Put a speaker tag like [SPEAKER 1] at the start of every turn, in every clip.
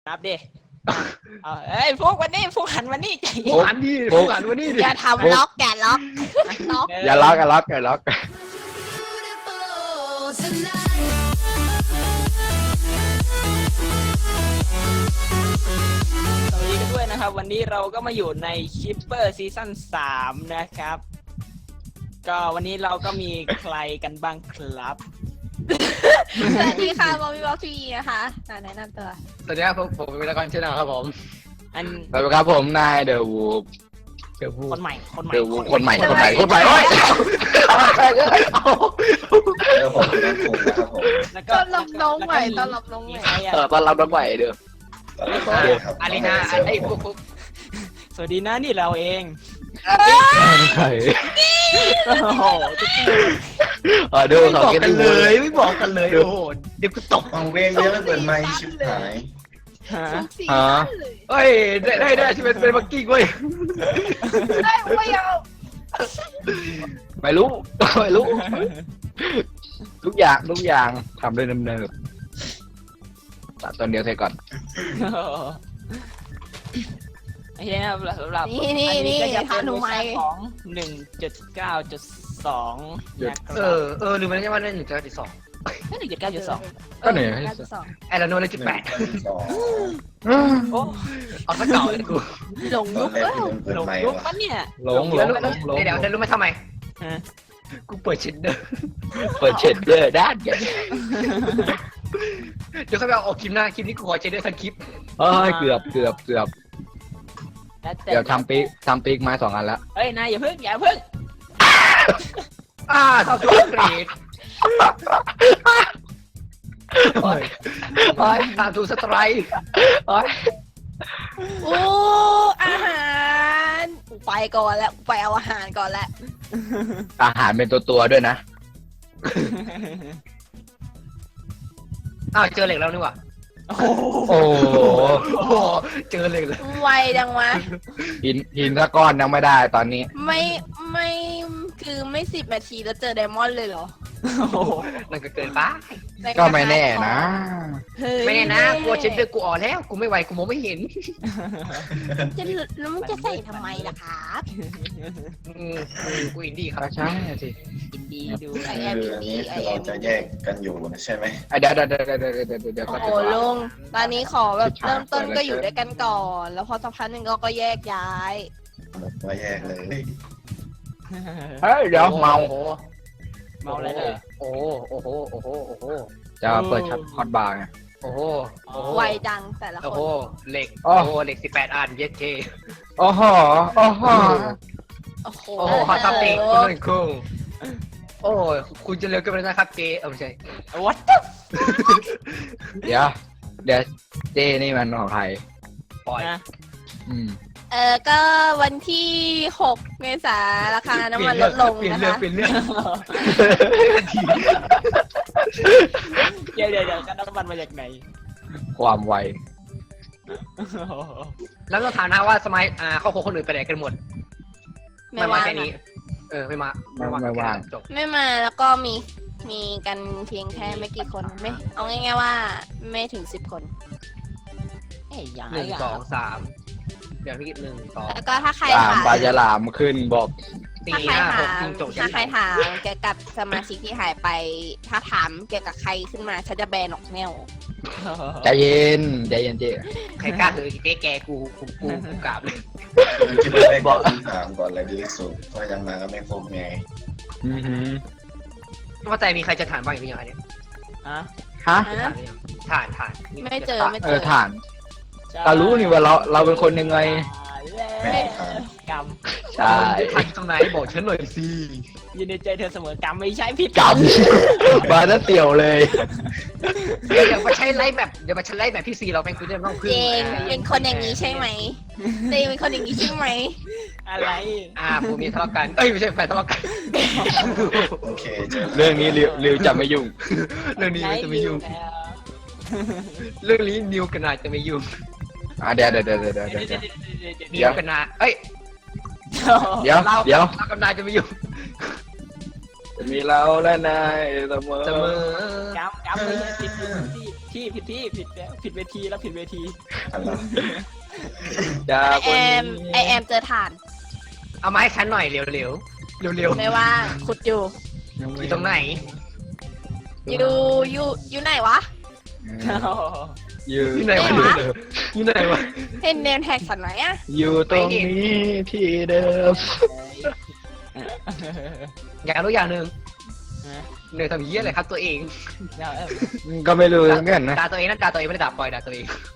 [SPEAKER 1] นับดิเอ้ยพวกวันนี้พวกหันวันนี้ใจเย็น
[SPEAKER 2] หันดิพวกหันวันนี้ดิ
[SPEAKER 3] อย่าทำล็อกอย่าล็อกล็อก
[SPEAKER 2] อย่าล็อกอย่าล็อกอย่าล็อก
[SPEAKER 1] สวัสดีกันด้วยนะครับวันนี้เราก็มาอยู่ในคิปเปอร์ซีซั่น3นะครับก็วันนี้เราก็มีใครกันบ้างครับ
[SPEAKER 3] สวัสดีค่ะบอมบี้บ็อกซ์ทีวีนะคะแนะนำตัว
[SPEAKER 2] สวัสดีครับผมเป็นตะกอนเช่นนะครับผม
[SPEAKER 1] อัน
[SPEAKER 2] สวัสดีครับผมนายเดอะวูฟ
[SPEAKER 1] คนใหม่คนใหม่
[SPEAKER 2] เดอะวูฟคนใหม่โอ้ย
[SPEAKER 4] ผมนั่นคงนะครับผม
[SPEAKER 1] แล้ว
[SPEAKER 3] ต้อนรับน้องใหม่ต้อนรับน้องใหม่
[SPEAKER 1] ใครอ่ะ
[SPEAKER 2] ตอนรับน้องใหม่เด้อ
[SPEAKER 4] ครับ
[SPEAKER 2] อารีนาไอ้พวก
[SPEAKER 1] สวัสดีนะนี่เราเอง
[SPEAKER 2] ใคร
[SPEAKER 1] โอ้โหจะกิน
[SPEAKER 2] เด้อเขาเก็ตเลย
[SPEAKER 5] ไม่บอกกันเลยโอ้โหเดี๋ยวกูตก
[SPEAKER 4] เอาเว้งเว้งแล้วเปิดไมค์ชิบหาย
[SPEAKER 1] ฮะ
[SPEAKER 3] สีสั้นเลย
[SPEAKER 2] เฮ้ยได้ที่เป็นบักกิ้งเว้ย
[SPEAKER 3] ได้ไม่เอา
[SPEAKER 2] ไม่รู้ทุกอย่างทำด้วยเนิบๆตัดตอนเดียวเสร็จก่อน
[SPEAKER 1] โอเคนะครับสำหรับ
[SPEAKER 3] นี่
[SPEAKER 1] ก็จะเป็
[SPEAKER 3] ทาน หนู
[SPEAKER 1] เวอ
[SPEAKER 3] ไหม
[SPEAKER 1] ร์ชันของ 1.9.2 นะครับ
[SPEAKER 5] ลืมไปแล้วใช่ไหมนั่น1.9.2
[SPEAKER 1] ก็ 1.9.2
[SPEAKER 2] ก็เหนื่อย
[SPEAKER 5] ไอ้ละโน้นเลย1.8
[SPEAKER 1] โอ้
[SPEAKER 5] เอาซะเก่าเลยกู
[SPEAKER 3] หลง
[SPEAKER 4] ตอ
[SPEAKER 3] ยุ
[SPEAKER 4] น
[SPEAKER 3] ค
[SPEAKER 4] แรก
[SPEAKER 3] แล้ว
[SPEAKER 4] กูเปิด
[SPEAKER 1] หลง
[SPEAKER 4] ไมค์
[SPEAKER 1] ยุคว
[SPEAKER 4] ะ
[SPEAKER 1] ปะเนี่ย
[SPEAKER 2] หลง
[SPEAKER 5] เดี๋ยวรู้ไหมทำไม
[SPEAKER 1] ฮะ
[SPEAKER 5] กูเปิดชิดเดอร์
[SPEAKER 2] เปิดเชดเดอร์ด้านกัน
[SPEAKER 5] เดี๋ยวเขาไปเอาคลิปหน้าคลิปนี้กูขอเชดเดอร์ทั้งคลิป
[SPEAKER 2] เฮ้ยเกือบเดี๋ยวทำปีกไม้2 อันแล้ว
[SPEAKER 1] เฮ้ยนายอย่าเพิ่ง
[SPEAKER 5] ทำตัวเกรดทำตัวสไตร์
[SPEAKER 3] โอ้อาหารไปก่อนแล้วไปเอาอาหารก่อนแล้ว
[SPEAKER 2] อาหารเป็นตัวด้วยนะ
[SPEAKER 5] เจอเหล็กแล้วนี่หว่า
[SPEAKER 1] โอ้โห
[SPEAKER 2] โอ้โห
[SPEAKER 5] เจอเหล็กแล้ว
[SPEAKER 3] ไวจังวะ
[SPEAKER 2] หินสักก้อนยังไม่ได้ตอนนี้
[SPEAKER 3] ไม่คือไม่10 นาทีแล้วเจอไดมอนด์เลยเหรอ
[SPEAKER 5] นั่นก็เกินไป
[SPEAKER 2] ก็ไม่แน่นะ
[SPEAKER 3] เฮ้ย
[SPEAKER 5] ไม่แน่นะกลัวเชดเดอร์กูอ่อนแล้วกูไม่ไหวกูมองไม่เห็น
[SPEAKER 3] แล้วมึงจะใส่ทำไมล่ะครับ
[SPEAKER 5] กูอินดี้ครับ
[SPEAKER 2] ก็ใช่สิ
[SPEAKER 1] ยินดีดู
[SPEAKER 3] ไอ
[SPEAKER 4] คือ
[SPEAKER 3] แอม
[SPEAKER 4] อันนี้คือเราจะแยกกันอยู่นะใช่ไหม
[SPEAKER 2] เดี๋ยว
[SPEAKER 3] โอ้โหลุงตอนนี้ขอแบบเริ่มต้นก็อยู่ด้วยกันก่อน แล้วพอสักพักหนึ่งก็แยกย้าย
[SPEAKER 4] ว่าแยกเลย
[SPEAKER 2] เฮ้ยเดี๋ยวเมา
[SPEAKER 1] เมาอะไรเลย
[SPEAKER 5] โอ้โห
[SPEAKER 2] จะเปิดช็อตฮอตบาร์ไง
[SPEAKER 5] โอ้โห
[SPEAKER 3] ไวจังแต่ละ
[SPEAKER 5] โอ้
[SPEAKER 3] ค
[SPEAKER 5] โห
[SPEAKER 3] น
[SPEAKER 5] เหล็ก
[SPEAKER 2] อ๋อ
[SPEAKER 5] โอ้โหเหล็ก18 อันเย็ดเค
[SPEAKER 2] โอ้โห
[SPEAKER 3] โอ้โห
[SPEAKER 5] โอ้โหฮอตซับเองคุณนุ่นคุ้งโอ้ยคุณจะเร็วเกินไปแล้วนะครับเจไม่ใช่
[SPEAKER 1] วัด
[SPEAKER 2] เดี๋ยวเจนี่มันของใคร
[SPEAKER 5] ปล่อย
[SPEAKER 1] นะ
[SPEAKER 2] อืม
[SPEAKER 3] ก็วันที่6 เมษายนราคาน้ำมันลดลง
[SPEAKER 5] เปลี่ยน
[SPEAKER 3] นะคะ
[SPEAKER 5] เรื่อง
[SPEAKER 1] เดี๋ยวกันน้ำมันมาจากไหน
[SPEAKER 2] ความไว
[SPEAKER 5] แล้วเราถามนะว่าสมัยครอบครัวคนอื่นไปไหนกันหมด
[SPEAKER 3] ไม่ว่าง
[SPEAKER 5] แค่นี้
[SPEAKER 3] อะ
[SPEAKER 5] ไม่มาจบ
[SPEAKER 3] ไม่มาแล้วก็มีกันเพียงแค่ไม่กี่คนไม่เอาง่ายๆว่าไม่ถึง10 คน
[SPEAKER 1] เอ้ยอย่าง
[SPEAKER 5] 1 2 3เดี๋ยวพี่กิน1 2
[SPEAKER 3] แล้วก็ถ้าใคร
[SPEAKER 2] ตาม
[SPEAKER 3] ถาม
[SPEAKER 2] ปลาฉลามขึ้นบอก
[SPEAKER 5] 4 5 6จริงจบ
[SPEAKER 3] ถ้าใครถามเกี่ยวกับสมาชิกที่หายไป ถ้าถามเกี่ยวกับใครขึ้นมาฉันจะแบนออกแนว
[SPEAKER 2] ใจเย็นเจ
[SPEAKER 5] ใครกล้าถือเจ๊แกกูกราบเลย
[SPEAKER 4] คิดว่าได้บอกคำถามก่อนเลยดีที่สุดเพราะยังมาก็ไม่ครบไง
[SPEAKER 2] อือหือ
[SPEAKER 5] ว่าใจมีใครจะถามบ้างอย่างไรเนี่ย
[SPEAKER 1] ฮะ
[SPEAKER 2] ฮะ
[SPEAKER 5] ถ่าน
[SPEAKER 3] ไม่เจอไม่เจอ
[SPEAKER 2] ฐานก็รู้นี่ว่าเราเป็นคนยังไง
[SPEAKER 4] ไม่ถาม
[SPEAKER 1] กรรม
[SPEAKER 2] ใช่
[SPEAKER 5] ถ่านตรงไหนบอกฉันหน่อยสิ
[SPEAKER 1] ยินดีใจเธอเสมอกรรมไม่ใช่ผิด
[SPEAKER 2] กำมาแล้วเตี่ยวเลย
[SPEAKER 5] เดี๋ยวมาใช้ไลฟ์แบบพี่ซีเราเป็นคุณจะต้องพึ่
[SPEAKER 3] เจ
[SPEAKER 5] ง
[SPEAKER 3] งเป็นคนอย่างนี้ใช่ไหมเจงเป็นคนอย่างนี้ใช่ไหม
[SPEAKER 1] อะไร
[SPEAKER 5] ผมมีทะเลาะกันไม่ใช่แฟนทะเลาะกัน
[SPEAKER 4] โอเคเจอ
[SPEAKER 2] เรื่องนี้ริวจะไม่ยุ่ง
[SPEAKER 5] เรื่องนี้จะไม่ยุ่งเรื่องนี้นิวกันนาจะไม่ยุ่ง
[SPEAKER 2] เดี๋ยว
[SPEAKER 5] นิวกันนาเอ้ย
[SPEAKER 2] เดี๋ยว
[SPEAKER 5] เรากับนายจะไม่ยุ่ง
[SPEAKER 2] จะมีเราและนายเสมอ
[SPEAKER 5] เสมอ
[SPEAKER 1] กำไม่ใช่ผิดที่ผิดแล้วผิดเวทีแล้วผิดเวที
[SPEAKER 4] อะไร
[SPEAKER 2] จาก
[SPEAKER 3] ไอ
[SPEAKER 2] วัน
[SPEAKER 3] แอ
[SPEAKER 2] นี้
[SPEAKER 3] มไอแอมเจอฐาน
[SPEAKER 5] เอามาให้ฉันหน่อยเร็วเร็วเร็ว
[SPEAKER 3] ไม่ว่างขุดอยู่
[SPEAKER 5] อยู่ตรงไหน
[SPEAKER 3] อยู่ไหนวะ
[SPEAKER 2] อยู่
[SPEAKER 5] อยู่ไหนวะ
[SPEAKER 3] ไหนวะ
[SPEAKER 5] อยู่ไหนวะ
[SPEAKER 3] เห็นเนมแท็กสันไหนอะ
[SPEAKER 2] อยู่ตรงนี้ที่เดิม
[SPEAKER 5] อยากรู้อย่างหนึ่งเหนื่อยทำเหี้ยอะไรครับตัวเอง
[SPEAKER 2] ก็ไม่รู้เหมือนกันนะ
[SPEAKER 5] ด่าตัวเองนั่นด่าตัวเองไม่ได้ด่าปล่อยด่าตัวเอง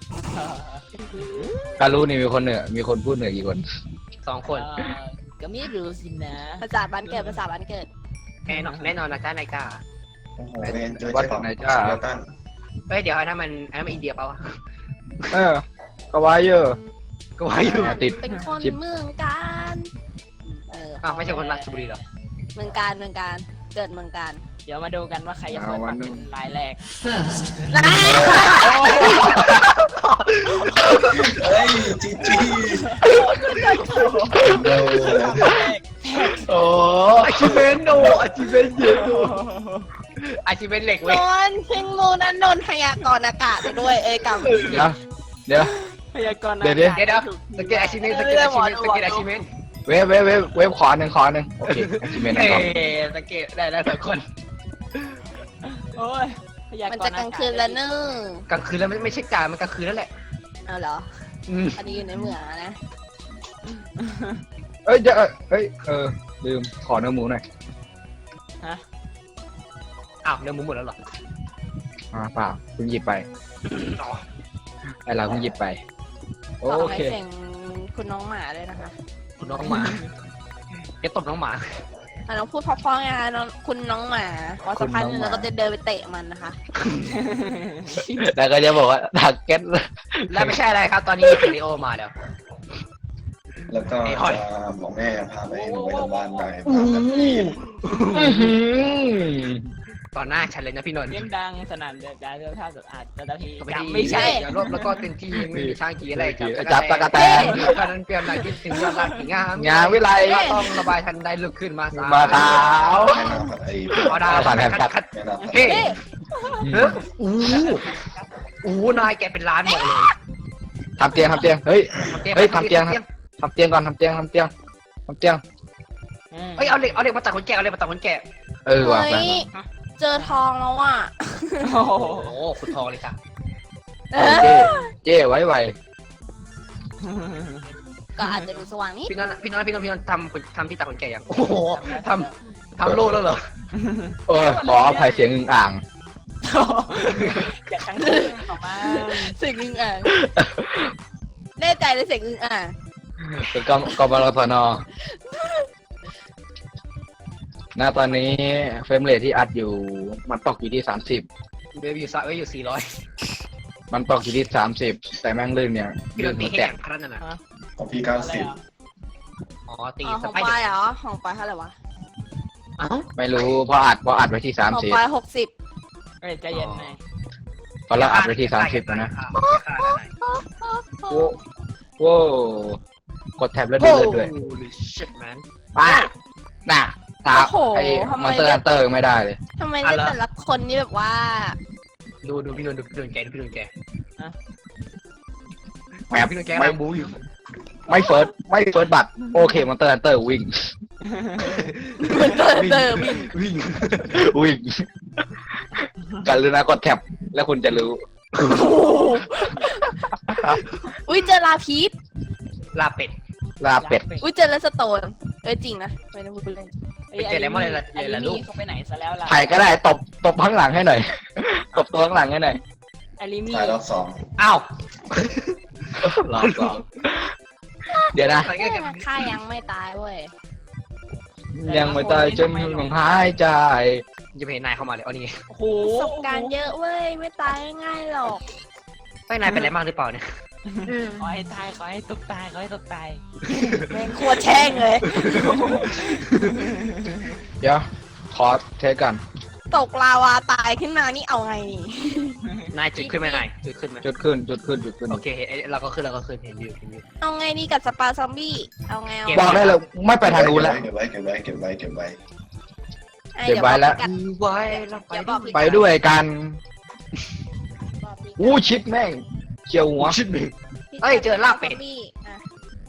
[SPEAKER 2] การรู้นี่มีคนเหนือมีคนพูดเหนือกี่คน
[SPEAKER 5] 2 คน
[SPEAKER 1] ก็ไม่รู้สินะ
[SPEAKER 3] ภาษาบ้านเกิดภาษาบ้านเกิด
[SPEAKER 5] แน่นอนนะจ้านายกล้า
[SPEAKER 4] โอ้โหเรียนเจอเจ้าของตั้ง
[SPEAKER 5] เฮ้ยเดี๋ยวอันนั้นมันอินเดียเปล่าวะ
[SPEAKER 2] ก็ว่าเยอะ
[SPEAKER 5] ก็ว่าอยู่
[SPEAKER 2] ติด
[SPEAKER 3] เป็นคน
[SPEAKER 2] ชิป
[SPEAKER 3] เมืองการ
[SPEAKER 5] อ้าวไม่ใช่คนราชบุรีหรอ
[SPEAKER 3] เมืองการเกิดเมืองการ
[SPEAKER 1] เดี๋ยวมาดูกันว่าใครจะเปิดปากเป็นรายแรก
[SPEAKER 4] เฮ้ยจีจีเร็ว
[SPEAKER 5] โอ้อาชิเมนโนอาชิเมนเยอะอาชิเมนเหล็ก
[SPEAKER 3] น
[SPEAKER 5] เว้ย
[SPEAKER 3] นท์เพิ่งรู้นะนนท์พยากรณ์อากาศไปด้วยกำ
[SPEAKER 2] เดี๋ยว
[SPEAKER 1] พยากรณ์
[SPEAKER 2] เดี๋ยว
[SPEAKER 5] สเก็ตอาชิเมนสเก็ตอาชิเมนสเก็ตอาชิเมน
[SPEAKER 2] เวฟขอหนึ่งโอเคจิเมน
[SPEAKER 5] เฮ้
[SPEAKER 2] ก่อน
[SPEAKER 5] สเก็ตได้แล้ว2 คน
[SPEAKER 1] โอ้ยพยากรณ์
[SPEAKER 3] มันจะกลางคืนแล้วเนอะ
[SPEAKER 5] กลางคืนแล้วไม่ใช่กลางมันกลางคืนแล้วแหละ
[SPEAKER 3] เอาเหรออันนี้อยู่ในเมืองนะ
[SPEAKER 2] เอ้ยลืมขอเนื้อหมูหน่อย
[SPEAKER 5] อ้าวเนื้อหมูหมดแล้วเหรอ
[SPEAKER 2] เปล่าเพิ่งหยิบไปไอเราเพิ่งหยิบไป
[SPEAKER 3] ขอ
[SPEAKER 2] โอ
[SPEAKER 3] ให้
[SPEAKER 2] เค
[SPEAKER 3] เสียงคุณน้องหมาเลยนะคะ
[SPEAKER 5] คุณน้องหมาจะตบน้องหมา
[SPEAKER 3] น้องพูดเพราะๆไงคะน้องคุณน้องหมาพอสักพักนึงเราก็จะเดินไปเตะมันนะคะ
[SPEAKER 2] แล้วก็จะบอกว่าทาร์เก็ต
[SPEAKER 5] แล้วไม่ใช่อะไรครับตอนนี้ฟิลิโอมาแล้ว
[SPEAKER 4] แล้วก็จะบอกแม่พาไปหนูไปโรงพยาบาลหน่อย
[SPEAKER 5] ตอนหน้าฉันเลยนะพี่นนท์
[SPEAKER 1] เสียงดังสนั่นเดือดดาลเสื้อผ้าสะอาดแต่ที
[SPEAKER 5] ไม่
[SPEAKER 1] ไม่ใช่
[SPEAKER 5] อย่ารบแล้วก็เต็มที่ไม่มีช่างกีอะไร
[SPEAKER 2] จับตะกะแตน
[SPEAKER 5] ตอนนั้นเปรียบหน่อยคิดถึงยอดรักงาม
[SPEAKER 2] งานวิไล
[SPEAKER 5] ก็ต้องระบายทันได้ลุกขึ้นมา
[SPEAKER 2] มาเท้า
[SPEAKER 4] แม่น้ำผัดไอ้
[SPEAKER 5] พอดา
[SPEAKER 2] ผ่านแผ่นคัด
[SPEAKER 5] คัด
[SPEAKER 4] แม่น้ำผัด
[SPEAKER 5] เฮ้อู้นายแกเป็นล้านหมดเลย
[SPEAKER 2] ทำเตียงเฮ้ย ทำเตียงก่อนทำเตียง
[SPEAKER 5] เฮ้ยเอาเหล็กมาตัดขนแกะเอาเหล็กมาตัดขนแกะ
[SPEAKER 2] ว่ะ
[SPEAKER 3] เฮ้ยเจอทองแล้วอ่ะ
[SPEAKER 1] โอ้โห
[SPEAKER 5] โอ้ขุดทองเลยค่ะ
[SPEAKER 2] เจ้ไว้
[SPEAKER 3] ก็อาจจะดูสว่างนิด
[SPEAKER 5] พี่นนท์ทำที่ตัดขนแกะยังโอ้โหทำโล่แล้วเหรอ
[SPEAKER 2] ขออภัยเสียงอึ่งอ่าง
[SPEAKER 1] อย่าทั้งคืนออกมา
[SPEAKER 3] เสียงอึ่งอ่างแน่ใจเลยเสียงอึ่งอ่าง
[SPEAKER 2] เป็นกบลสนณตอนนี้เฟรมเรทที่อัดอยู่มันตกอยู่ที่30
[SPEAKER 5] เบบี้อยู่400
[SPEAKER 2] มันตกอยู่ที่30แต่แม่งลื่นเนี่ย
[SPEAKER 5] พี่น
[SPEAKER 2] ลื่
[SPEAKER 5] น
[SPEAKER 2] น
[SPEAKER 5] ท์ตี
[SPEAKER 2] หัว
[SPEAKER 5] แค่
[SPEAKER 2] แต
[SPEAKER 5] แข่
[SPEAKER 2] ก
[SPEAKER 5] งพนันน่ะ
[SPEAKER 4] ของพี่
[SPEAKER 1] อะไร
[SPEAKER 4] 90
[SPEAKER 1] อ่ะ
[SPEAKER 5] อ๋อตี
[SPEAKER 3] อ๋อ
[SPEAKER 5] ส
[SPEAKER 3] ของ
[SPEAKER 5] ไป
[SPEAKER 3] ป
[SPEAKER 5] เดอ
[SPEAKER 3] ลาย
[SPEAKER 5] ร์
[SPEAKER 3] เหรอของปลายเท่าไหร่วะ
[SPEAKER 5] อ้าว
[SPEAKER 2] ไม่รู้เพราะอัดไว้ที่
[SPEAKER 3] ของปลาย60
[SPEAKER 1] เอ้ยใจเย็นหน่อย
[SPEAKER 2] 30ตอนเราอัดไว้ที่30แล้วนะโว้กดแท็บแล้วดูเลยด้วย
[SPEAKER 5] Holy shit man
[SPEAKER 2] ป้าน่ะท้าไอ้มอนเตอร์ฮันเตอร์ไม่ได้เลย
[SPEAKER 3] ทำไมเนี่ยแต่ละคนนี่แบบว่า
[SPEAKER 5] ดูพี่นนท์แกพี่นนท์แก
[SPEAKER 2] แหม
[SPEAKER 5] พี่นนท์แกกำลังบู๊อยู่
[SPEAKER 2] ไม่เฟิร์สบัตรโอเคมอนเตอร์ฮันเตอร์วิ่ง
[SPEAKER 3] มันเติม
[SPEAKER 5] วิ่ง
[SPEAKER 2] วิ่งกันเลยนะกดแท็บแล้วคุณจะรู้
[SPEAKER 3] อุ้ยเจอลาพีช
[SPEAKER 5] ลาเป็ด
[SPEAKER 2] ลาเป็ด
[SPEAKER 3] อุ้ยเจอเลสโตนจริงนะไม่ได้พูดเล่น
[SPEAKER 5] ไปเจอแล้วมั้งเลยล่ะลูก
[SPEAKER 1] เขาไปไหนซะแล้วล่ะ
[SPEAKER 2] ใครก็ได้ตบข้างหลังให้หน่อยตบตัวข้างหลังให้หน่อย
[SPEAKER 1] ไอริมี่
[SPEAKER 4] ถ่ายรอบสอง
[SPEAKER 5] อ้าว
[SPEAKER 2] รอบสองเดี๋ยวนะ
[SPEAKER 3] ข้ายังไม่ตายเว้ย
[SPEAKER 2] ยังไม่ตายจนยังหายใจ
[SPEAKER 5] จะไม่เห็นนายเข้ามาเลยอ๋อนี่
[SPEAKER 1] โอ้โห
[SPEAKER 3] ประสบการณ์เยอะเว้ยไม่ตายง่ายหรอก
[SPEAKER 5] ไม่นายเป็นอะไรมากหรือเปล่าเนี่ย
[SPEAKER 1] ขอให้ตายขอให้ตกตายขอให้ตกตาย
[SPEAKER 3] แม่งโคตรแช่งเลย
[SPEAKER 2] เดี๋ยวขอเทสกัน
[SPEAKER 3] ตกลาวาตายขึ้นมานี่เอาไงนี่
[SPEAKER 5] นายจุดขึ้นไหมนายจุดขึ้นไหม
[SPEAKER 2] จุดขึ้น
[SPEAKER 5] โอเคเราก็ขึ้นเห็นอยู่
[SPEAKER 3] เอาไงดีกับสปาซอมบี้เอาไงเอา
[SPEAKER 2] บอกได้เลยไม่ไปทางนู้นแล้ว
[SPEAKER 4] เก็บไว้
[SPEAKER 2] เก็บไว้แล้ว
[SPEAKER 3] กัน
[SPEAKER 5] ไว้แล้วไป
[SPEAKER 3] เดี๋ยวบอกพี่
[SPEAKER 2] ไปด้วยกัน
[SPEAKER 3] บอกพี่
[SPEAKER 2] อู้ชิปแม่งเจียวหัว
[SPEAKER 5] ชิดหนึ่ง เอ้ยเจอลาบเป็ด
[SPEAKER 3] พี่อ่ะ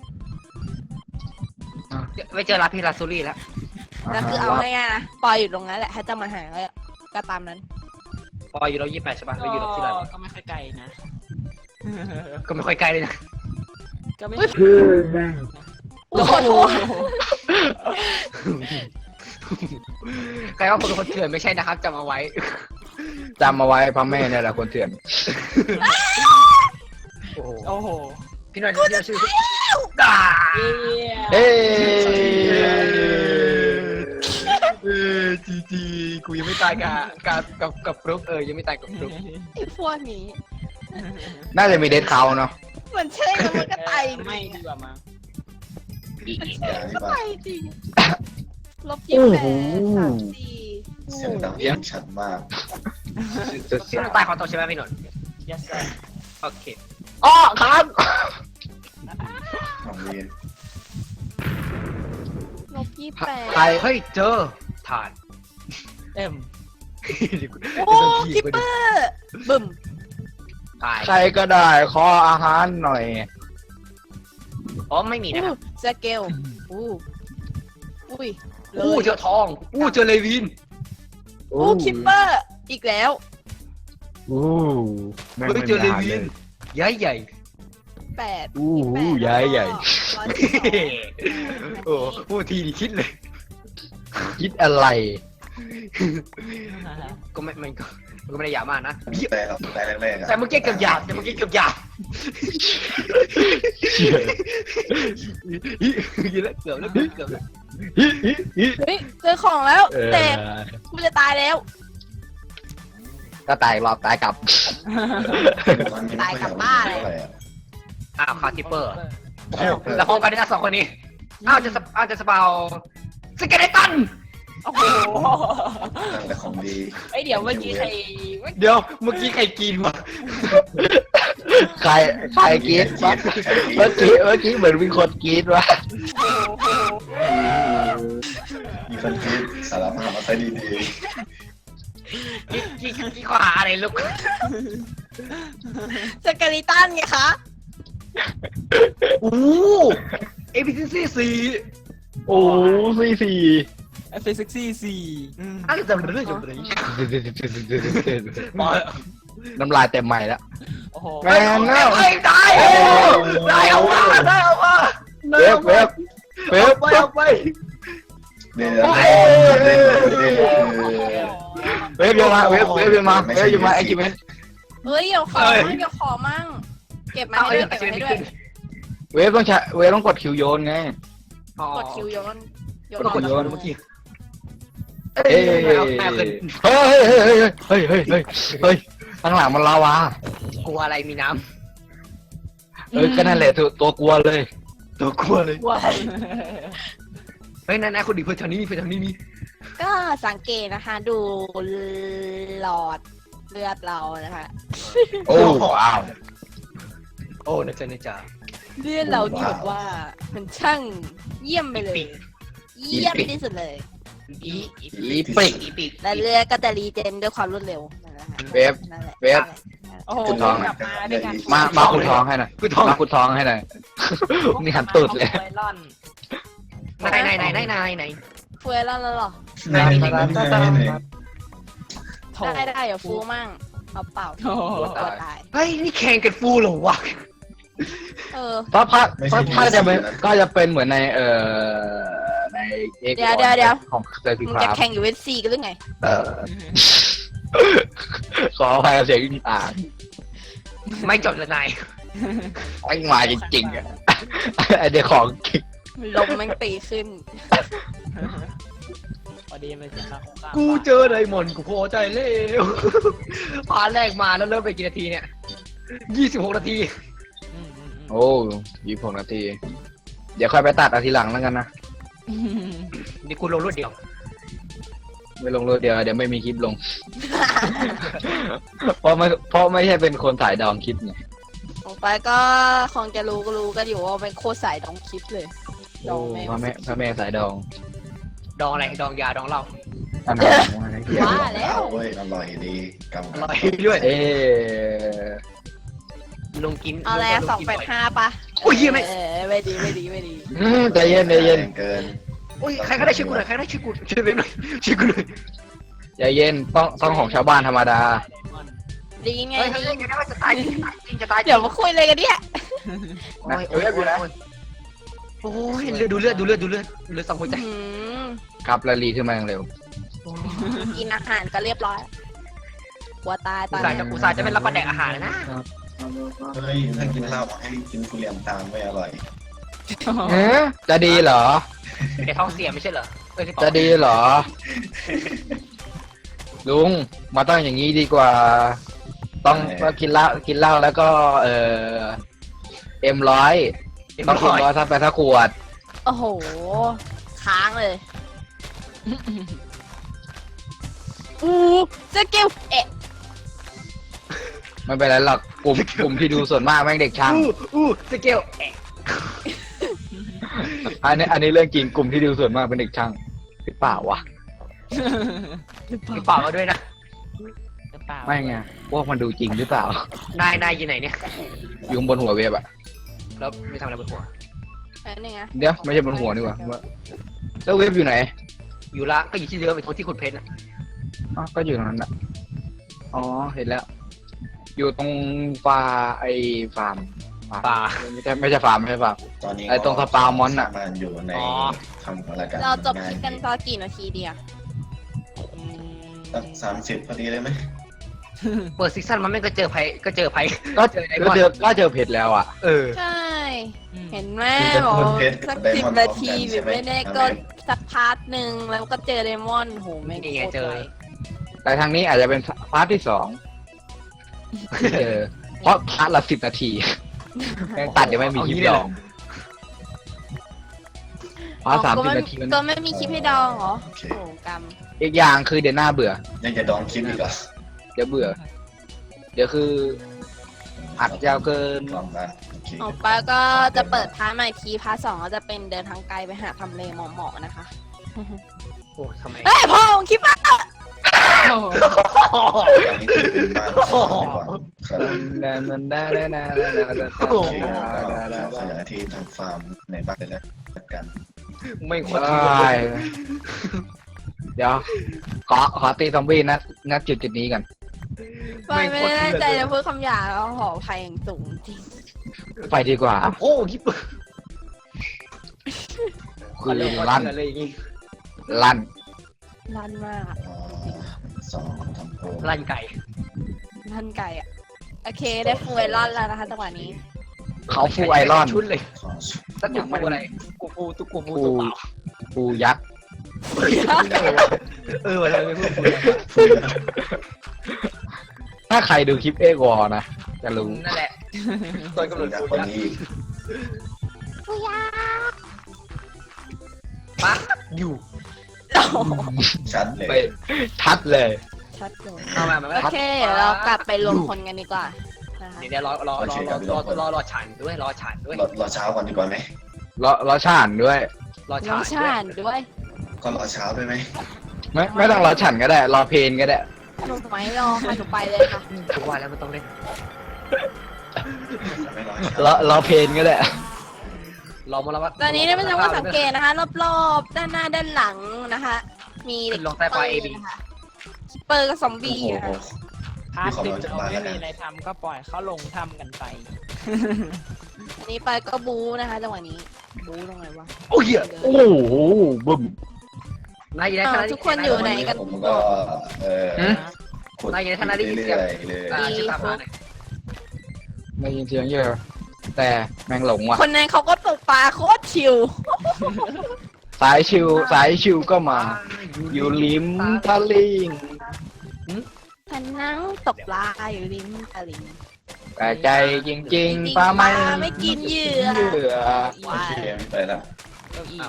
[SPEAKER 5] ไม่เจอลาพี่ลาซูรี่แล้ว
[SPEAKER 3] แล้วคือเอาง่ายๆนะปอยอยู่ตรงนั้นแหละถ้าจะมาหาก็ตามนั้น
[SPEAKER 5] พออยู่เรา28ใช่ป่ะเราอยู่เราที่ไหน
[SPEAKER 1] ก็ไม่ค่อยไกลนะ
[SPEAKER 5] ก็ไม่ค่อยไกลเลยนะ
[SPEAKER 1] ก็ไม่
[SPEAKER 2] คือแม่ง
[SPEAKER 3] โอ้โห
[SPEAKER 5] ใครว่าคนเป็นคนเถื่อนไม่ใช่นะครับจำเอาไว้
[SPEAKER 2] จำเอาไว้พ่อแม่เนี่ยแหละคนเถื่อน
[SPEAKER 5] โอ้โห
[SPEAKER 1] โอ้โห
[SPEAKER 5] พี่หน่อยเรียกชื่อด่า
[SPEAKER 1] เย้
[SPEAKER 2] เฮ้
[SPEAKER 5] จีกูยังไม่ตายกับฟลุกยังไม่ตายกับฟลุก
[SPEAKER 3] ไอ้พวกนี้
[SPEAKER 2] น่าจะมีเดทเขาเนาะ
[SPEAKER 3] เหมือนใช่แล้วมันก็ตายจริง
[SPEAKER 1] ไม่ดีกว่ามั้ง
[SPEAKER 4] อย่างนี้
[SPEAKER 3] ก็
[SPEAKER 4] ป่ะ
[SPEAKER 3] ตายจริงลบ28
[SPEAKER 4] เสียงดังชัดมาก
[SPEAKER 5] พี่หน่อยตายขอตัวใช่ไหมพี่หน่อย
[SPEAKER 1] ยัสเซอร์
[SPEAKER 5] โอเค
[SPEAKER 2] อ้อครับ
[SPEAKER 4] ของเรียน
[SPEAKER 3] ลบ
[SPEAKER 2] ใคร
[SPEAKER 5] เฮ้ยเจอฐาน
[SPEAKER 1] เอ็ม
[SPEAKER 3] 28โอ้คิปเปอร์บึ้ม
[SPEAKER 5] ตาย
[SPEAKER 2] ใครก็ได้ขออาหารหน่อย
[SPEAKER 5] อ๋อไม่มีนะครับ
[SPEAKER 3] สเกลอุ้ยเล
[SPEAKER 5] อู้
[SPEAKER 3] ย
[SPEAKER 5] เจอทองอู้เจอเลวิน
[SPEAKER 3] อู้คิปเปอร์อีกแล้ว
[SPEAKER 2] อู้แม่ง
[SPEAKER 5] เฮ้ย
[SPEAKER 2] ไม่
[SPEAKER 5] เจอเล
[SPEAKER 2] มี
[SPEAKER 5] วิ
[SPEAKER 2] อาหาร
[SPEAKER 5] น
[SPEAKER 2] เลย
[SPEAKER 5] ใหญ่ใหญ่
[SPEAKER 3] 8
[SPEAKER 2] อู้หูใหญ่ใหญ่
[SPEAKER 5] โอ้พูดทีนี่คิดเลย
[SPEAKER 2] คิดอะไร
[SPEAKER 5] ก็ไม่มันก็ไม่ได้หยาบมากนะ
[SPEAKER 4] แต่ครับแต่แรกๆอะ
[SPEAKER 5] แต่เมื่อกี้เกือบหยาบแต่เมื่อกี้เกือบหยาบ
[SPEAKER 2] เชี่ย
[SPEAKER 5] ยิงแล้วเกือบแล้วเกือบแล้ว
[SPEAKER 3] เฮ้ยเจอของแล้ว
[SPEAKER 2] เออ
[SPEAKER 3] เต็มกูจะตายแล้ว
[SPEAKER 2] ก็ตายอีกรอบตายกลับ
[SPEAKER 4] มันไม่ค่อยอยากมาเท่าไหร่อะ
[SPEAKER 5] อ้าวคาร์ทิปเปอร์แล้วพร้อมกันได้นะ2 คนนี้อ้าวจะสเปาสเกเลตัน
[SPEAKER 1] โอ้โห
[SPEAKER 4] นั่นแหละของดี
[SPEAKER 1] ไอยเดี๋ยวเมื่อกี้ใคร
[SPEAKER 5] เดี๋ยวเมื่อกี้ใครกินวะ
[SPEAKER 2] ใครกรีดวะเมื่อกี้เหมือนมีคนกรีดวะ
[SPEAKER 4] มีคนคิดสารภาพมาซะดี
[SPEAKER 5] กี่ข้อหาอะไรลูก
[SPEAKER 3] สเกลิตันไงคะ
[SPEAKER 5] อู้เอพีซี
[SPEAKER 2] โอ้สี่
[SPEAKER 1] เฟซซิกซี่4
[SPEAKER 5] อะไรจะเรื่องอะไร
[SPEAKER 2] น้ำลายเต็มใหม่แล้ว
[SPEAKER 1] โอ้โห
[SPEAKER 2] แม่นแล้ว
[SPEAKER 5] เฮ้ยได้เอามา
[SPEAKER 2] เว็บ
[SPEAKER 5] เอาไป
[SPEAKER 4] ๆเดี๋ยว
[SPEAKER 2] เว็บยังมาเว็บยังมาไอ้กิมเมน
[SPEAKER 3] เฮ้ยเดี๋ยวขอมั่งเก็บมาให้ด้วยเก็บมาให้ด้วย
[SPEAKER 2] เว็บต้องกดคิวโยนไง
[SPEAKER 3] กดคิวโยน
[SPEAKER 5] ก็กดโยนเมื่อกี้
[SPEAKER 2] เอ้ยเฮ้ยข้างหลังมันลาวาก
[SPEAKER 5] ลัวอะไรมีน้
[SPEAKER 2] ก็นั่นแหละตัวกลัวเลย
[SPEAKER 5] ำตัวกลัวเลย
[SPEAKER 3] ว้าย
[SPEAKER 5] เฮ้ยนายคนดีเพื่อนทางนี้มี
[SPEAKER 3] ก็สังเกตนะคะ ดูหลอดเลือดเรานะคะ
[SPEAKER 2] โอ้ว้าว
[SPEAKER 5] โอ้นะจ๊ะ
[SPEAKER 3] เลือดเรานี่แบบว่ามันช่างเยี่ยมไปเลย เยี่ยมที่สุดเลย
[SPEAKER 2] อีปิก
[SPEAKER 3] และเลือดก็จะรีเจนด้วยความรวดเร็วนั่นแหละค่ะ
[SPEAKER 2] เว็บ
[SPEAKER 3] นั่นแหละ
[SPEAKER 2] เว็บ
[SPEAKER 1] โอ้โห
[SPEAKER 2] คุณทอง
[SPEAKER 1] กลับมาด้วยกัน
[SPEAKER 2] มาคุณท้องให้หน่อย
[SPEAKER 5] คือทอง
[SPEAKER 2] มาคุณท้องให้หน่อยนี่หันตูดเลย
[SPEAKER 1] ไวรอน
[SPEAKER 5] ไหน
[SPEAKER 3] เฟื่อยแล้วเหรอ
[SPEAKER 4] ไหน
[SPEAKER 1] โถ
[SPEAKER 3] ได้เดี๋ยวฟูมั่งเอาเปล่า
[SPEAKER 1] โถ
[SPEAKER 3] ตัวตาย
[SPEAKER 5] เฮ้ยนี่แข่งกันฟูเหรอวะ
[SPEAKER 3] เออ
[SPEAKER 2] เพราะถ้าจะเป็นก็จะเป็นเหมือนในในเอ็ก
[SPEAKER 3] เดี๋ยว
[SPEAKER 2] ของเซอร์พิ
[SPEAKER 3] มึง
[SPEAKER 2] ค
[SPEAKER 3] จะ
[SPEAKER 2] ราฟ
[SPEAKER 3] แข่งอยู่เวซีกันหรือไง
[SPEAKER 2] ขออภัยเสียงต่าง
[SPEAKER 5] ไม่จบเลยนาย
[SPEAKER 2] ไอ้มาจริงๆอ่ะไอเดียของจริง
[SPEAKER 3] ลมแม่งตีขึ้น
[SPEAKER 1] พอดีมันจะเข้าข้าง
[SPEAKER 5] กูเจอไดมอนด์กูพอใจเร็วพาแรกมาแล้วเริ่มไปกี่นาทีเนี่ย26 นาที
[SPEAKER 2] โอ้26 นาที เดี๋ยวค่อยไปตัดเอาทีหลังแล้วกันนะ
[SPEAKER 5] นี่กูลงรวดเดียว
[SPEAKER 2] ไม่ลงรถเดี๋ยวไม่มีคลิปลง เพราะไม่ใช่เป็นคนถ่ายดองคลิปไง
[SPEAKER 3] ออกไปก็คงจะรู้กันอยู่ว่าเป็นโคตรสายดองคลิปเลย ดองแม่ง
[SPEAKER 2] พระแม่สายดอง
[SPEAKER 5] ดองอะไรดองยาดองเหล้า
[SPEAKER 2] อันนั้นอะไรเหี้ย
[SPEAKER 3] ว่าแล้ว
[SPEAKER 4] เว้ยอร่อยดีกำ
[SPEAKER 5] อร่อยด้วย
[SPEAKER 2] เอ๊ะ
[SPEAKER 5] ลุงกิน
[SPEAKER 3] เอาแล้ว285ปะ
[SPEAKER 5] อุ้ยเหี้ยไม่
[SPEAKER 3] ไม่ดี
[SPEAKER 2] ใจเย็นใจเย็น
[SPEAKER 4] เกิน
[SPEAKER 5] อุ้ยใครก็ได้ช่วยกูหน่อยใครก็ได้ช่วยกูช่วยกูหน่อยช่วยกูหน่อย
[SPEAKER 2] ใจเย็นต้องของชาวบ้านธรรมดา
[SPEAKER 3] ดีไง
[SPEAKER 5] เฮ้ยเฮ้ยจะตายจริงจะตาย
[SPEAKER 3] เดี๋ยวมาคุยเลยกันเนี่ย
[SPEAKER 5] โอ้ยโอ้ยโอ้ยดูเลือดสองหัวใจ
[SPEAKER 3] อืม
[SPEAKER 2] ครับแล้วรีขึ้นมาอย่างเร็ว
[SPEAKER 3] กินอาหารก็เรียบร้อยกลัวตายต
[SPEAKER 5] อุ
[SPEAKER 3] อ
[SPEAKER 5] ต
[SPEAKER 3] น
[SPEAKER 5] ส่าห์
[SPEAKER 3] นี้
[SPEAKER 5] จะอุตส่าห์จะเป็นรับประแดกอาหารนะ
[SPEAKER 4] เฮ้ยถ้ากินเหล้าให้กินทุเรียนตามไม่อร่อย
[SPEAKER 2] จะดีเหรอ
[SPEAKER 5] แกท้องเสียไม่ใช่เหรอเอ้ยพี่ป๋อ
[SPEAKER 2] จะดีเหรอ ลุงมาต้องอย่างนี้ดีกว่า ต้องกินเหล้าแล้วก็M100ต้องM100ถ้าไปถ้าขวด
[SPEAKER 3] โอ้โห ค้างเลยสกิล
[SPEAKER 2] ไม่เป็นไรหรอกกลุ่มที่ดูส่วนมากแม่งเด็กช่าง
[SPEAKER 5] สเกล
[SPEAKER 2] อันนี้เรื่องจริงกลุ่มที่ดูส่วนมากเป็นเด็กช่างหรือเปล่าวะ
[SPEAKER 5] พี่ป๋อมาด้วยนะ
[SPEAKER 2] ไม่ไงพวกมันดูจริงหรือเปล่าน
[SPEAKER 5] ายอยู่ไหนเนี่ย
[SPEAKER 2] อยู่บนหัวเว็บอะ
[SPEAKER 5] แล้วไม่ทำอะไรบนหัว
[SPEAKER 3] นี่ไง
[SPEAKER 2] เดี๋ยวไม่ใช่บนหัวนี่หว่าแล้วเว็บอยู่ไหน
[SPEAKER 5] อยู่ละก็อยู่ที่เดิมไปทที่ขุดเพชรนะ
[SPEAKER 2] อ๋อก็อยู่ตรงนั้นอะอ๋อเห็นแล้ว อยู่ตรงฟาร์ม
[SPEAKER 5] ป่า
[SPEAKER 2] ไม่ใช่ฟาร์มไม่ใช่ฟาร์ม
[SPEAKER 4] ตอนนี้
[SPEAKER 2] ไอ้ตรงสปามอนน่ะ
[SPEAKER 4] มันอยู่ในทำอะไรกัน
[SPEAKER 3] เราจบคลิปกันตอนกี่นาทีเดียว
[SPEAKER 4] สัก30พอดีเลยไหม
[SPEAKER 5] เปิดซีซั่นมันไม่ก็เจอไพ่ก็เจอไพ่
[SPEAKER 2] ก็
[SPEAKER 5] เจอไอ้
[SPEAKER 2] ก็เจอเพชรแล้วอ่ะ
[SPEAKER 5] เออ
[SPEAKER 3] ใช่ เห็นไหมบอกสัก10 นาทีหรือไม่ได้ก็สักพาร์ทหนึ่งแล้วก็เจอเดมอนโหไม่ง
[SPEAKER 5] นี่
[SPEAKER 3] โค
[SPEAKER 5] ไง
[SPEAKER 3] ต
[SPEAKER 5] เจ
[SPEAKER 3] ร
[SPEAKER 5] อ
[SPEAKER 3] ไว
[SPEAKER 2] แต่ทางนี้อาจจะเป็นพาร์ทที่2ที่เจอเพราะพาร์ทละ10 นาทีแม่งตัดยังไม่มีคลิปดองพาร์ท30 นาทีมัน
[SPEAKER 3] ก็ไม่มีคลิปให้ดองเหรอ
[SPEAKER 4] โอเค
[SPEAKER 3] โอ้กรรม
[SPEAKER 2] อีกอย่างคือเดี๋ยวหน้าเบื่อ
[SPEAKER 4] ยังจะดองคลิปอีกเหรอ
[SPEAKER 2] เดี๋ยวเบื่อ เดี๋ยวคืออัดยาวเกิน
[SPEAKER 4] ลองกันโอเค
[SPEAKER 3] ออกไปก็จะเปิดพาร์ทใหม่ทีพาร์ท2ก็จะเป็นเดินทางไกลไปหาทำเลเหมาะๆนะคะ
[SPEAKER 5] โอ้ทำไม
[SPEAKER 3] เฮ้ยพ่อของคลิปอ่ะ
[SPEAKER 4] อันนี้คือเป็นบ้านของเราดีกว่าครับ
[SPEAKER 2] โอ้
[SPEAKER 4] โอเคก็ขยายที่ทำฟาร์มในบ้านเลยแล้วกัน
[SPEAKER 5] ไม่ควร
[SPEAKER 2] เดี๋ยวขอตีซอมบี้นะจุดนี้กัน
[SPEAKER 3] ไม่ได้ตั้งใจจะพูดคำหยาบแล้วขออภัยอย่างสูงจริง
[SPEAKER 2] ไปดีกว่า
[SPEAKER 5] โอ้คลิป
[SPEAKER 2] คือ
[SPEAKER 5] ลั่
[SPEAKER 2] ลั่
[SPEAKER 5] น
[SPEAKER 2] น
[SPEAKER 5] เลยอย่างงี้
[SPEAKER 2] ลั่น
[SPEAKER 3] ลั่นมากอะ
[SPEAKER 4] 2ทำโปร
[SPEAKER 5] ลั่นไก่
[SPEAKER 3] ลั่นไก่อะโอเคได้ฟูไอรอนแล้วนะคะจังหวะนี้
[SPEAKER 2] เขาฟูไอรอน
[SPEAKER 5] ชุดเลย
[SPEAKER 4] ของ
[SPEAKER 5] สักอย่างไม่อะไรกูตัวเปล่า
[SPEAKER 2] ฟูยักษ์
[SPEAKER 5] เอออะไรไม่พูด
[SPEAKER 2] ถ้าใครดูคลิปเอกวอนะจะรู้
[SPEAKER 5] นั่นแหละตัวกำหนด
[SPEAKER 4] จาก
[SPEAKER 5] กู
[SPEAKER 4] คน
[SPEAKER 5] นะ
[SPEAKER 4] นี้
[SPEAKER 5] ปั๊บอยู่
[SPEAKER 4] ชัดเลย
[SPEAKER 2] ไปชัดเลย
[SPEAKER 3] ชัดเลย
[SPEAKER 5] เอามา
[SPEAKER 3] โอเคเดี๋ยวเรากลับไปรวมคนกันดีกว่านะคะ
[SPEAKER 5] เดี๋ยวรอฉันด้วยรอฉันด้วย
[SPEAKER 4] รอเช้าก่อนดีกว่าไหม
[SPEAKER 2] รอช่านด้วย
[SPEAKER 5] รอ
[SPEAKER 3] น้อง
[SPEAKER 5] ฉั
[SPEAKER 3] ชาน ด้วย
[SPEAKER 4] ก็รอเช้าด้วยไหม
[SPEAKER 2] ไม่ต้องรอฉันก็ได้ รอเพลนก็ได้
[SPEAKER 3] หนูไม่รอค่ะหนูไปเลยค่ะ
[SPEAKER 5] ทุกวันแล้วมันต้องเล่น
[SPEAKER 4] ไม่รอเช้าร
[SPEAKER 2] อเพลนก็ได้
[SPEAKER 5] รอมาแล้วว่า
[SPEAKER 3] ตอนนี้เนี่ยไม่ต้องมาสังเกตนะคะรอบๆด้านหน้าด้านหลังนะคะ มี
[SPEAKER 5] ขึ้นลงใต้ปลาย AB
[SPEAKER 3] นะคะคิปเปอร์กับซอม
[SPEAKER 4] โอ้
[SPEAKER 3] บี้
[SPEAKER 4] โห
[SPEAKER 3] นะคะ
[SPEAKER 1] พาร์ทหนึ่งเราไม่มีอะไรทำก็ปล่อยเขาลงทำกันไป
[SPEAKER 3] อันนี้ไปก็บูนะคะจังหวะนี้บูตรงไหนวะ
[SPEAKER 5] โอ้ย
[SPEAKER 2] โอ้โหบึ้ม
[SPEAKER 5] นายอยู่ใน
[SPEAKER 3] อ้าว
[SPEAKER 5] ฐานะ
[SPEAKER 3] ทุกคนอยู่ไหนกัน
[SPEAKER 4] ผมก็ขุด
[SPEAKER 5] นายอยู่ในฐานะได้ยินเสียง
[SPEAKER 4] เรื่อยๆเลย
[SPEAKER 5] ชื่อตามมาหน่อย
[SPEAKER 2] ไม่ยินเสียงเยอะแต่แม่งหลงว่ะ
[SPEAKER 3] คนนั้นเขาก็ตกปลาโคตรชิว
[SPEAKER 2] สายชิวก็มา อยู่ริมทะลิง
[SPEAKER 3] ฉันนั่งตกปลาอยู่ริมตลิ่ง
[SPEAKER 2] แต่ใจจริงๆปลาไม่
[SPEAKER 3] ไม่กินเหยื่อ
[SPEAKER 2] เหยื่อ
[SPEAKER 4] โอเคไม่ไปละ
[SPEAKER 1] เก้าอี้
[SPEAKER 5] อ้าว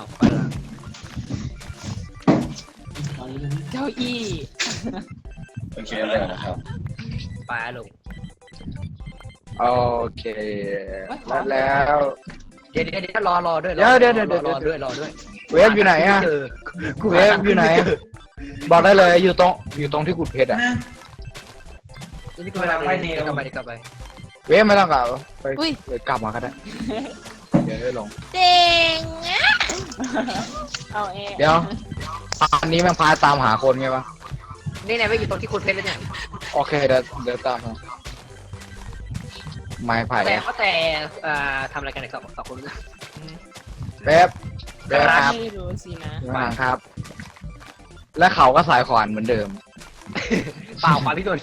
[SPEAKER 1] เก้าอี้
[SPEAKER 4] โอเคเลยนะครับ
[SPEAKER 5] ไปลง
[SPEAKER 2] โอเคแล้ว
[SPEAKER 5] เดี๋ยวรอด้วย
[SPEAKER 2] เดี๋ยว
[SPEAKER 5] รอด้วย
[SPEAKER 2] เวฟอยู่ไหนอะ
[SPEAKER 5] เจอ
[SPEAKER 2] เวฟอยู่ไหน บอกได้เลยอยู่ตรงที่ขุดเพชรอะ
[SPEAKER 5] นี่ก็เวลาไปเดี๋ยวกลับไปเดี๋ยวกลับไป
[SPEAKER 2] เวฟไม่ต้องกลับไป
[SPEAKER 3] อุ้ย
[SPEAKER 2] เดี๋ยวกลับมาก็ได้เดี๋ยวได้ลง
[SPEAKER 3] เจ๋งอะ
[SPEAKER 1] เอาเอง
[SPEAKER 2] เดี๋ยวอันนี้แม่งพาตามหาคนไงวะ
[SPEAKER 5] นี่ไหนไปอยู่ตรงที่คุณเพชรแล้วเนี่ย
[SPEAKER 2] โอเคเดี๋ยวตามมาไม้ไผ่
[SPEAKER 5] แต่ทำอะไรกันเนี่ยกับคุณ
[SPEAKER 2] เวฟครับ
[SPEAKER 1] ไม่รู้สินะ
[SPEAKER 2] มาครับ และเขาก็สายขวานเหมือนเดิม
[SPEAKER 5] เปล่าขวานพี่นนท์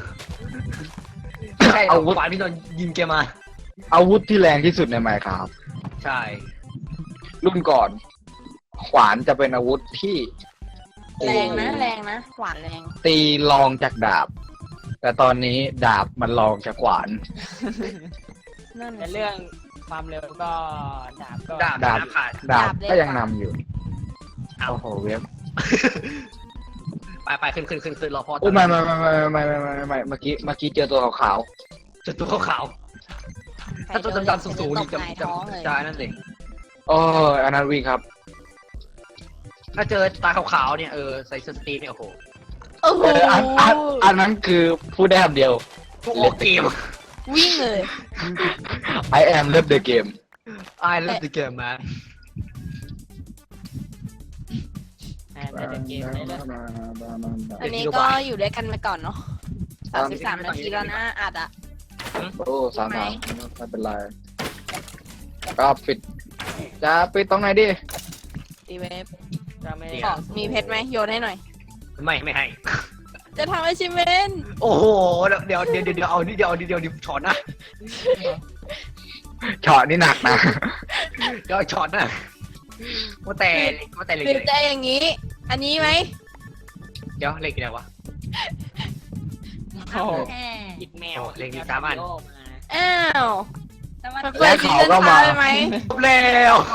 [SPEAKER 5] ใช่เอาขวานพี่นนท์ยิงแกมา
[SPEAKER 2] อาวุธที่แรงที่สุดในไมค์ครับ
[SPEAKER 5] ใช่
[SPEAKER 2] รุ่นก่อน ขวานจะเป็นอาวุธที่
[SPEAKER 3] แรงนะหวานแรง
[SPEAKER 2] ตีรองจากดาบ แต่ตอนนี้ดาบมันรองจากขวาน
[SPEAKER 3] นั่น
[SPEAKER 1] แต่เรื่องความเร็วก็ดาบก็
[SPEAKER 5] ดาบขาด
[SPEAKER 2] ดาบก็ยังนำอยู่โอ้โหเวฟ
[SPEAKER 5] ไปขึ้นรอพ่อ
[SPEAKER 2] โอ้ไม่เมื่อกี้เจอตัวขาว
[SPEAKER 5] จุดตัวขาวๆถ้าตัวดำๆสูงๆนี่จะนั่นเอง
[SPEAKER 2] ๆโอ้ยอันนั้นวิ่งครับ
[SPEAKER 5] ถ้าเจอตาขาวๆเนี่ยใส่สตีเนี่ยโอ้โห
[SPEAKER 3] โอ้โห
[SPEAKER 2] อันนั้นคือพูดได้คำเดียว
[SPEAKER 5] ทุกโอเกม
[SPEAKER 3] วิ่งเลย
[SPEAKER 2] I am love the game
[SPEAKER 5] I love the game man
[SPEAKER 1] ในเกมเลยนะ
[SPEAKER 3] อันนี้ก็อยู่ด้วยกันไปก่อนเนาะ33 นาทีแล้วนะอัดอะ
[SPEAKER 2] โอ้สามไม่เป็นไรก็ปิดจะปิดตรงไหนดิ
[SPEAKER 3] ตีเวฟ
[SPEAKER 1] ก็ไม่
[SPEAKER 3] ขอมีเพชรไหมโยนให้หน่อย
[SPEAKER 5] ไม่ให้
[SPEAKER 3] จะทำ achievement
[SPEAKER 5] โอ้โหเดี๋ยวเอานี่เดี๋ยวช็อตนะ
[SPEAKER 2] ช็อตนี่หนักนะ
[SPEAKER 5] เดี๋ยวช็อตนะว่าแต่เหล็ก
[SPEAKER 3] หรือจะอย่างนี้ อันนี้ไหม
[SPEAKER 5] เดี๋ยวเหล็กอะไรวะ
[SPEAKER 1] โอ้ยิดแมว
[SPEAKER 5] เล็งมีสามอัน
[SPEAKER 3] อ้าวมันเปิ
[SPEAKER 2] และ
[SPEAKER 3] ดซี
[SPEAKER 2] เขา
[SPEAKER 3] ซั่น
[SPEAKER 2] ก็
[SPEAKER 3] ท้า
[SPEAKER 2] มา
[SPEAKER 3] ยไหม
[SPEAKER 5] จบแล้ว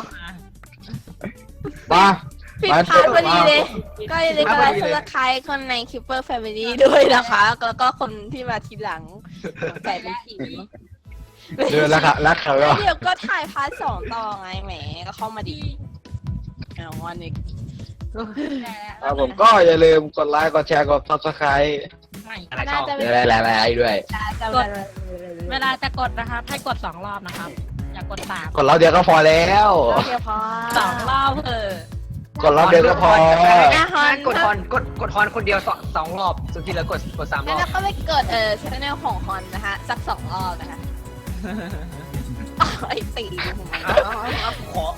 [SPEAKER 2] มา
[SPEAKER 3] ผิดพลาดพอดีเลย ก็อย่าลืมกดไลค์กดซับสไครต์คนใน Keeper Family ด้วยนะคะ แล้วก็คนที่มาทีหลังใส่เป็นผี
[SPEAKER 2] เดือนแล้วครับแล้วเขาก็
[SPEAKER 3] เดี๋ยวก็ถ่ายพาร์ท 2 ต่อไงแหม ก็เข้ามาดีเอาวันนี้
[SPEAKER 2] ครับผมก็อย่าลืมกดไลค์กดแชร์กด subscribe
[SPEAKER 5] อะไรช่อง
[SPEAKER 2] อะไรด้วย
[SPEAKER 3] กด
[SPEAKER 6] เวลาจะกดนะครับให้กด2 รอบนะครับ อย่ากด3
[SPEAKER 2] กดรอบเดียวก็พอแล้ว
[SPEAKER 3] เดียวพอ
[SPEAKER 6] 2 รอบเถอะ
[SPEAKER 2] กดรอบเดียวก็พอ
[SPEAKER 5] กดฮอนคนเดียว2 รอบส่วนที่เหลือกด3 ร
[SPEAKER 3] แล้ว
[SPEAKER 5] อบ
[SPEAKER 3] เราก็ไปกดชแนลของฮอนนะคะ สัก 2 รอบนะคะไอ้ตีผมไม่
[SPEAKER 5] ขอ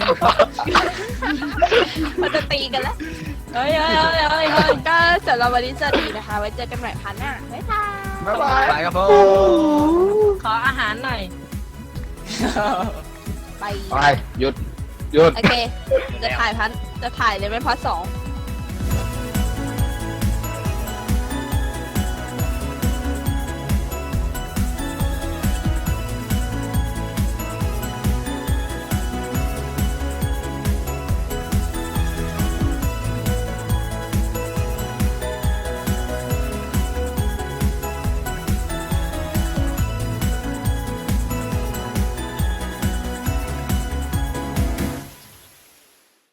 [SPEAKER 3] มันจะตีกันแล้ว
[SPEAKER 6] เฮ้ยเฮ้ย
[SPEAKER 3] ก็สำหรับวันนี้สวัสดีนะคะ ไว้เจอกันใหม่พาร์ทหน้า บ๊ายบาย
[SPEAKER 2] บ๊ายบาย
[SPEAKER 5] ไปครับผม
[SPEAKER 6] ขออาหารหน่อย
[SPEAKER 3] ไป
[SPEAKER 2] ไปหยุด
[SPEAKER 3] โอเค จะถ่ายเลยไหมพาร์ท 2